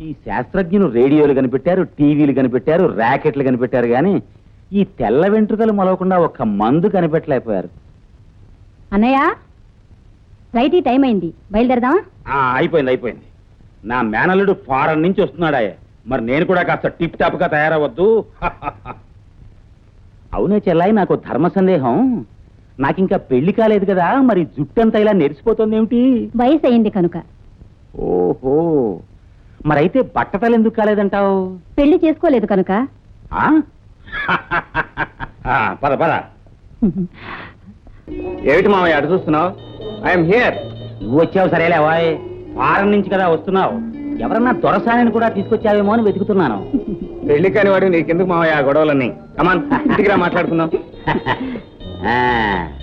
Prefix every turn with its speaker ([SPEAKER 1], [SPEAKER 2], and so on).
[SPEAKER 1] ఈ శాస్త్రజ్ఞులు రేడియోలు కనిపెట్టారు, టీవీలు కనిపెట్టారు, ర్యాకెట్లు కనిపెట్టారు, కానీ ఈ తెల్ల వెంట్రుకలు మొలవకుండా ఒక్క మందు కనిపెట్టలేకపోయారు.
[SPEAKER 2] అన్నయ్య రైట్, ఈ టైం అయింది, బయలుదేరదామా?
[SPEAKER 1] అయిపోయింది. నా మేనల్లుడు ఫారెన్ నుంచి వస్తున్నాడాయే, మరి నేను కూడా కాస్త టిప్ టాప్ గా తయారవద్దు. అవునే చెల్లాయి, నాకు ధర్మ సందేహం. నాకింకా పెళ్లి కాలేదు కదా, మరి జుట్టంతా ఇలా నెరిసిపోతుంది ఏమిటి?
[SPEAKER 2] వయసు అయింది కనుక.
[SPEAKER 1] ఓహో, మరైతే బట్టతలు ఎందుకు కాలేదంటావు?
[SPEAKER 2] పెళ్లి చేసుకోలేదు కనుక.
[SPEAKER 1] పద పద. ఏమిటి మామయ్య అటు చూస్తున్నావు? I'm here. నువ్వు వచ్చావు సరేలే, వాయ్ ఫారెన్ నుంచి కదా వస్తున్నావు, ఎవరన్నా దొరసాని కూడా తీసుకొచ్చావేమో అని వెతుకుతున్నాను.
[SPEAKER 3] పెళ్లి కాని వాడు నీకెందుకు మావయ్య గొడవలన్నీ? కమాన్ ఇంటికి రా, మాట్లాడుకుందాం.